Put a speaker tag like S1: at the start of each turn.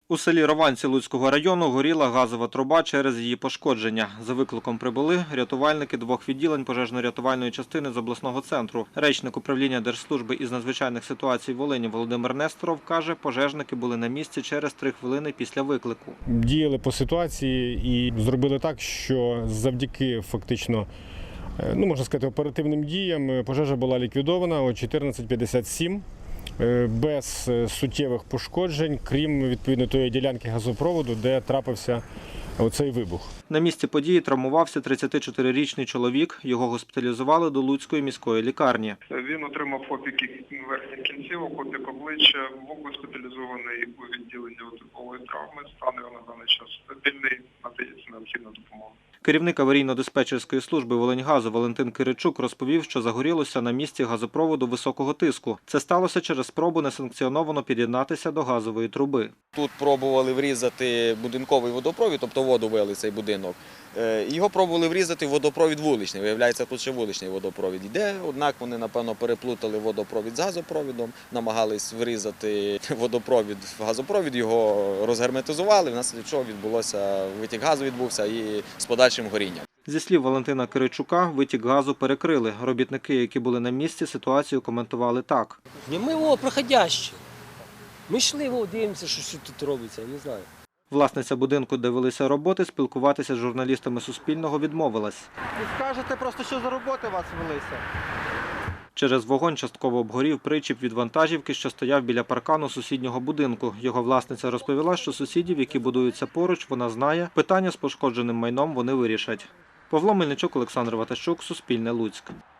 S1: У селі Рованці Луцького району горіла газова труба через її пошкодження. За викликом прибули рятувальники двох відділень пожежно-рятувальної частини з обласного центру. Речник управління Держслужби із надзвичайних ситуацій Волині Володимир Несторов каже, пожежники були на місці через 3 хвилини після виклику.
S2: Діяли по ситуації і зробили так, що завдяки фактично, можна сказати, оперативним діям пожежа була ліквідована о 14:57. Без суттєвих пошкоджень, крім відповідно тої ділянки газопроводу, де трапився оцей вибух.
S1: На місці події травмувався 34-річний чоловік. Його госпіталізували до Луцької міської лікарні.
S3: Він отримав опіки верхніх кінцівок, опік обличчя, був госпіталізований у відділенні отипової травми. Стан його на даний час стабільний, надається необхідна допомога.
S1: Керівник аварійно-диспетчерської служби «Волиньгазу» Валентин Киричук розповів, що загорілося на місці газопроводу високого тиску. Це сталося через спробу несанкціоновано під'єднатися до газової труби.
S4: Тут пробували врізати будинковий водопровід, тобто воду вели цей будинок. Його пробували врізати в водопровід вуличний. Виявляється, тут ще вуличний водопровід йде, однак вони, напевно, переплутали водопровід з газопровідом, намагались врізати водопровід в газопровід, його розгерметизували, внаслідок чого відбулося витік газу відбувся і з подальшим горінням.
S1: Зі слів Валентина Киричука, витік газу перекрили. Робітники, які були на місці, ситуацію коментували так.
S5: Ми проходящі. Ми йшли, дивимося, що тут робиться, не знаю.
S1: Власниця будинку, де велися роботи, спілкуватися з журналістами Суспільного відмовилась.
S6: Ви скажете просто, що за роботи у вас велися?
S1: Через вогонь частково обгорів причіп від вантажівки, що стояв біля паркану сусіднього будинку. Його власниця розповіла, що сусідів, які будуються поруч, вона знає. Питання з пошкодженим майном вони вирішать. Павло Мельничук, Олександр Ватащук, Суспільне, Луцьк.